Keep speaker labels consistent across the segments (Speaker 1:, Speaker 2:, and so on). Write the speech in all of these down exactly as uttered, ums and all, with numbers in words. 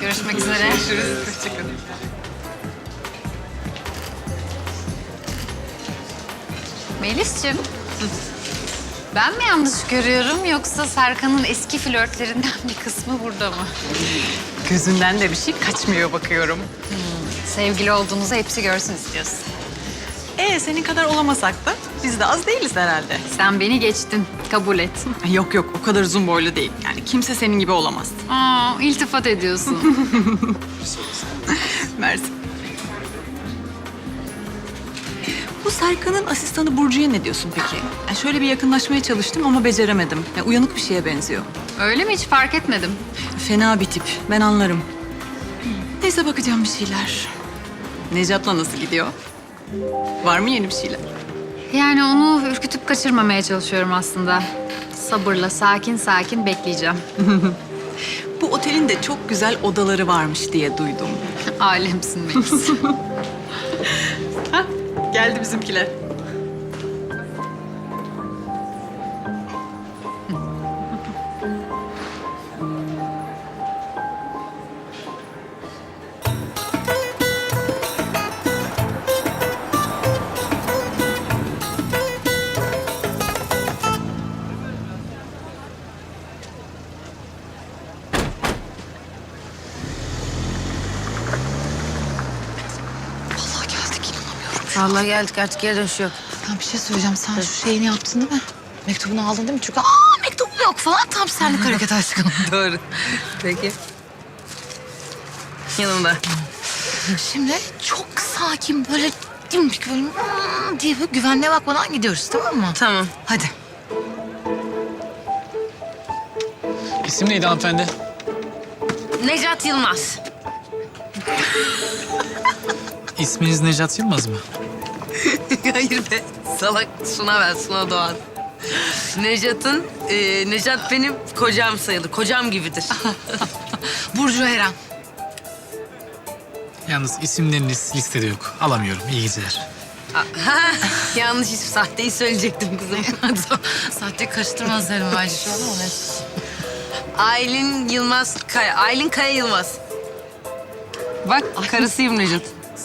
Speaker 1: Görüşmek üzere.
Speaker 2: Görüşürüz. Hoşçakalın.
Speaker 1: Melis'ciğim. Ben mi yanlış görüyorum yoksa Serkan'ın eski flörtlerinden bir kısmı burada mı?
Speaker 2: Gözünden de bir şey kaçmıyor bakıyorum.
Speaker 1: Sevgili olduğunuzu hepsi görsün istiyorsun.
Speaker 2: Ee senin kadar olamasak da biz de az değiliz herhalde.
Speaker 1: Sen beni geçtin. Kabul et.
Speaker 2: Yok yok o kadar uzun boylu değil. Yani kimse senin gibi olamaz.
Speaker 1: Aa, iltifat ediyorsun.
Speaker 2: Mersi. Bu Serkan'ın asistanı Burcu'ya ne diyorsun peki? Yani şöyle bir yakınlaşmaya çalıştım ama beceremedim. Yani uyanık bir şeye benziyor.
Speaker 1: Öyle mi? Hiç fark etmedim.
Speaker 2: Fena bir tip. Ben anlarım. Neyse bakacağım bir şeyler. Necat'la nasıl gidiyor? Var mı yeni bir şeyler?
Speaker 1: Yani onu ürkütüp kaçırmamaya çalışıyorum aslında. Sabırla, sakin sakin bekleyeceğim.
Speaker 2: Bu otelin de çok güzel odaları varmış diye duydum.
Speaker 1: Alemsin Melis.
Speaker 2: Hah, geldi bizimkiler.
Speaker 3: Vallahi geldik inanamıyorum.
Speaker 4: Vallahi geldik artık geri dönüş yok.
Speaker 3: Ben bir şey söyleyeceğim. Sen şu şeyini yaptın değil mi? Mektubunu aldın değil mi? Çünkü aa mektubu yok falan. Tam senlik hareket aşkım.
Speaker 4: Doğru. Peki. Yanımda.
Speaker 3: Şimdi çok sakin böyle dimdik böyle hmm diye böyle güvenliğe bakmadan gidiyoruz tamam mı?
Speaker 4: Tamam.
Speaker 3: Hadi.
Speaker 5: İsim neydi hanımefendi?
Speaker 4: Necat Yılmaz.
Speaker 5: İsminiz Necat Yılmaz mı?
Speaker 4: Hayır be. Salak Suna ben, Suna Doğan. Necat'ın, e, Necat benim kocam sayılır. Kocam gibidir.
Speaker 3: Burcu Eren.
Speaker 5: Yalnız isimleriniz listede yok. Alamıyorum. İyi geceler.
Speaker 4: Ha, yanlış isim, sahteyi söyleyecektim kızım.
Speaker 3: Sahte karıştırmaz derim bence şu an ama neyse.
Speaker 4: Aylin Yılmaz Kaya. Aylin Kaya Yılmaz. Bak karısıyım Necat.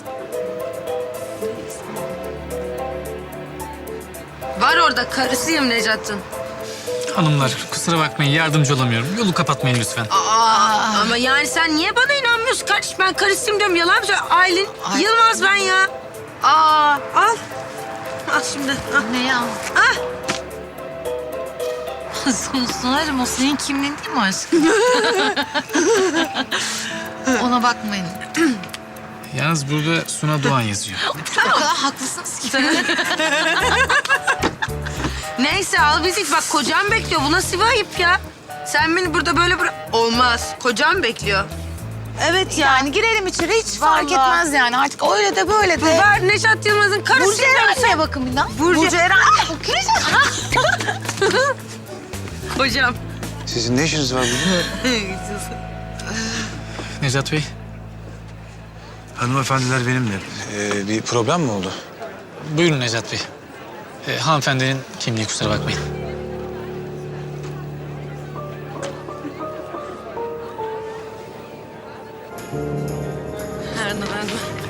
Speaker 4: Var orada karısıyım Necat'ın.
Speaker 5: Hanımlar kusura bakmayın yardımcı olamıyorum. Yolu kapatmayın lütfen.
Speaker 4: Aa, ama yani sen niye bana inanmıyorsun kardeşim? Ben karısıyım diyorum. Yalan mı söylüyorsun? Aylin
Speaker 3: Ay.
Speaker 4: Yılmaz ben ya. Aa, al. Al şimdi. Al.
Speaker 3: Ne ya?
Speaker 4: Ah.
Speaker 3: Sun- Sunarım o senin kimliğin değil mi aşkım? Ona bakmayın.
Speaker 5: Yalnız burada Suna Doğan yazıyor.
Speaker 3: O kadar haklısınız ki.
Speaker 4: Neyse al bizi. Bak kocam bekliyor. Bu nasıl bir ayıp ya? Sen beni burada böyle bırak... Olmaz. Kocam bekliyor. Evet ya.
Speaker 3: Yani girelim içeri hiç fark etmez yani. Artık öyle de böyle de.
Speaker 4: Var Necat Yılmaz'ın karısı.
Speaker 3: Burcu Eren'e bakın bir daha.
Speaker 4: Burcu,
Speaker 3: Eren.
Speaker 4: Kocam.
Speaker 6: Sizin ne işiniz var burada?
Speaker 5: Necat Bey,
Speaker 6: Hanımefendiler benimle. Ee, bir problem mi oldu?
Speaker 5: buyurun Necat Bey. Ee, hanımefendinin kimliği kusura bakmayın.
Speaker 4: Nerede nerede?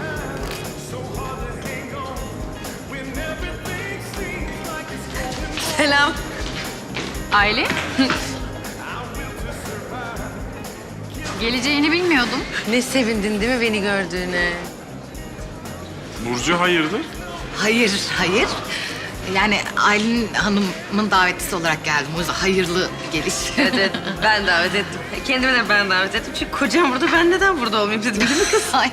Speaker 4: Selam.
Speaker 1: Aile? Geleceğini bilmiyordum.
Speaker 4: Ne sevindin değil mi beni gördüğüne?
Speaker 7: Burcu hayırdır?
Speaker 3: Hayır, hayır. Yani Aylin Hanım'ın davetlisi olarak geldim. O yüzden hayırlı geliş.
Speaker 4: Evet, evet. Ben davet ettim. Kendime de ben davet ettim. Çünkü kocam burada, ben neden burada olmayayım dedim değil mi kız?
Speaker 3: Ay.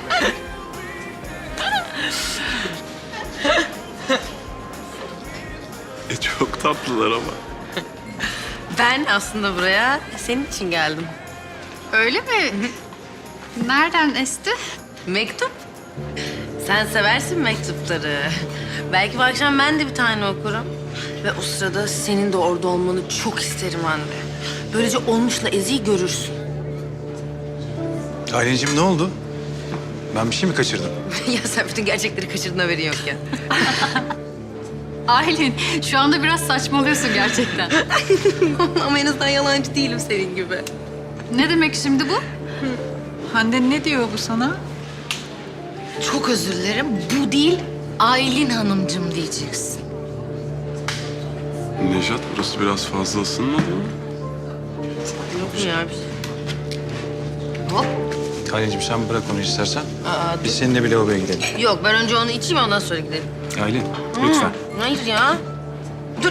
Speaker 7: E çok tatlılar ama.
Speaker 4: Ben aslında buraya senin için geldim.
Speaker 1: Öyle mi? Nereden esti?
Speaker 4: Mektup. Sen seversin mektupları. Belki bu akşam ben de bir tane okurum. Ve o sırada senin de orada olmanı çok isterim anne. Böylece olmuşla Ezi'yi görürsün.
Speaker 6: Aylin'cim ne oldu? Ben bir şey mi kaçırdım?
Speaker 4: Ya sen bütün gerçekleri kaçırdın, haberin yok ya.
Speaker 1: Aylin, şu anda biraz saçmalıyorsun gerçekten.
Speaker 4: Ama en azından yalancı değilim senin gibi.
Speaker 1: Ne demek şimdi bu?
Speaker 2: Hande ne diyor bu sana?
Speaker 3: Çok özür dilerim. Bu değil, Aylin Hanımcığım diyeceksin.
Speaker 7: Nejat, burası biraz fazla ısınmadı mı?
Speaker 4: Yok mu ya bir şey?
Speaker 3: Hop.
Speaker 6: Aylin'cim sen bırak onu istersen.
Speaker 4: Aa,
Speaker 6: Biz seninle bir lavaboya gidelim.
Speaker 4: Yok ben önce onu içeyim ondan sonra gidelim.
Speaker 6: Aylin lütfen.
Speaker 4: Hayır ya. Dur.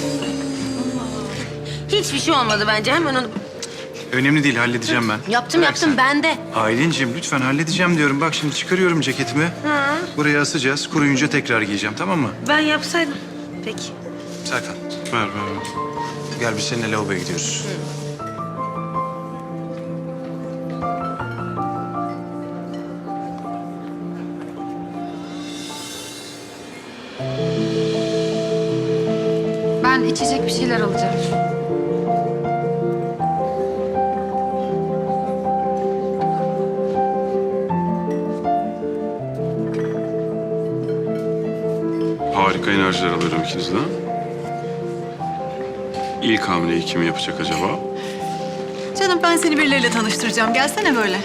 Speaker 4: Hiçbir şey olmadı bence. Hemen onu...
Speaker 6: Önemli değil halledeceğim ben.
Speaker 4: Yaptım
Speaker 6: Bırak
Speaker 4: yaptım
Speaker 6: sen.
Speaker 4: ben de.
Speaker 6: Aylin'cim lütfen halledeceğim diyorum. Bak şimdi çıkarıyorum ceketimi. Buraya asacağız. Kuruyunca tekrar giyeceğim tamam mı?
Speaker 4: Ben yapsaydım. Peki.
Speaker 6: Serkan
Speaker 7: Ver, ver, ver.
Speaker 6: gel biz seninle lavaboya gidiyoruz.
Speaker 1: Ben içecek bir şeyler alacağım.
Speaker 7: Harika enerjiler alıyorum ikinizden. İlk hamleyi kim yapacak acaba?
Speaker 2: Canım ben seni birileriyle tanıştıracağım. Gelsene böyle.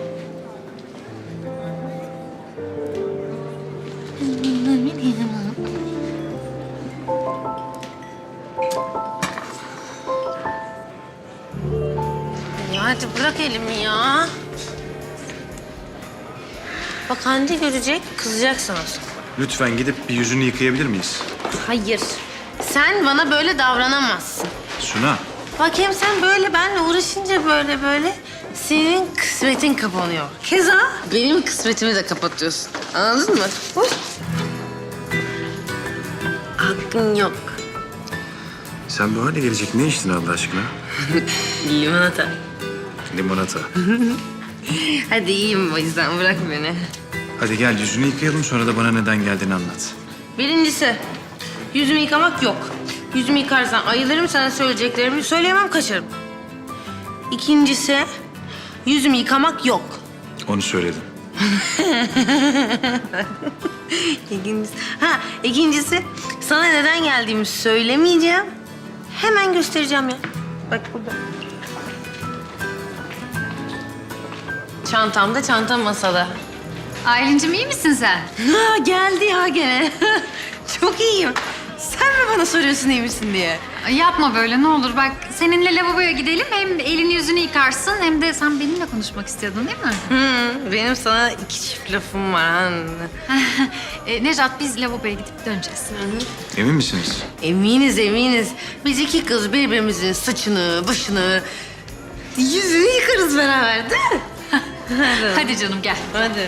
Speaker 4: Ya hadi bırak elimi ya. Bak Hande görecek, kızacak sana sonra.
Speaker 6: Lütfen gidip bir yüzünü yıkayabilir miyiz?
Speaker 4: Hayır. Sen bana böyle davranamazsın.
Speaker 6: Suna.
Speaker 4: Bak hem sen böyle benle uğraşınca böyle böyle senin kısmetin kapanıyor. Keza benim kısmetimi de kapatıyorsun. Anladın mı? Uy. Hakkın yok.
Speaker 6: Sen bu hale gelecek ne içtin Allah aşkına?
Speaker 4: Limonata.
Speaker 6: Limonata.
Speaker 4: Hadi iyiyim o yüzden bırak beni.
Speaker 6: Hadi gel yüzünü yıkayalım sonra da bana neden geldiğini anlat.
Speaker 4: Birincisi yüzümü yıkamak yok. Yüzümü yıkarsan ayılırım, sana söyleyeceklerimi söyleyemem, kaçarım. İkincisi yüzümü yıkamak yok.
Speaker 6: Onu söyledim.
Speaker 4: İkincisi, ha ikincisi sana neden geldiğimi söylemeyeceğim. Hemen göstereceğim ya. Bak burada. Çantamda, çantam masada.
Speaker 1: Aylin'cim iyi misin sen?
Speaker 4: Ha geldi ya gene. Çok iyiyim. Sen mi bana soruyorsun iyi misin diye?
Speaker 1: Ay, yapma böyle ne olur. Bak seninle lavaboya gidelim. Hem elini yüzünü yıkarsın hem de sen benimle konuşmak istiyordun değil mi?
Speaker 4: Hı, benim sana iki çift lafım var anne.
Speaker 1: e, Nejat biz lavaboya gidip döneceğiz.
Speaker 6: Emin misiniz?
Speaker 4: Eminiz eminiz. Biz iki kız birbirimizin saçını, başını, yüzünü yıkarız beraber değil mi?
Speaker 1: Hadi canım gel.
Speaker 4: Hadi.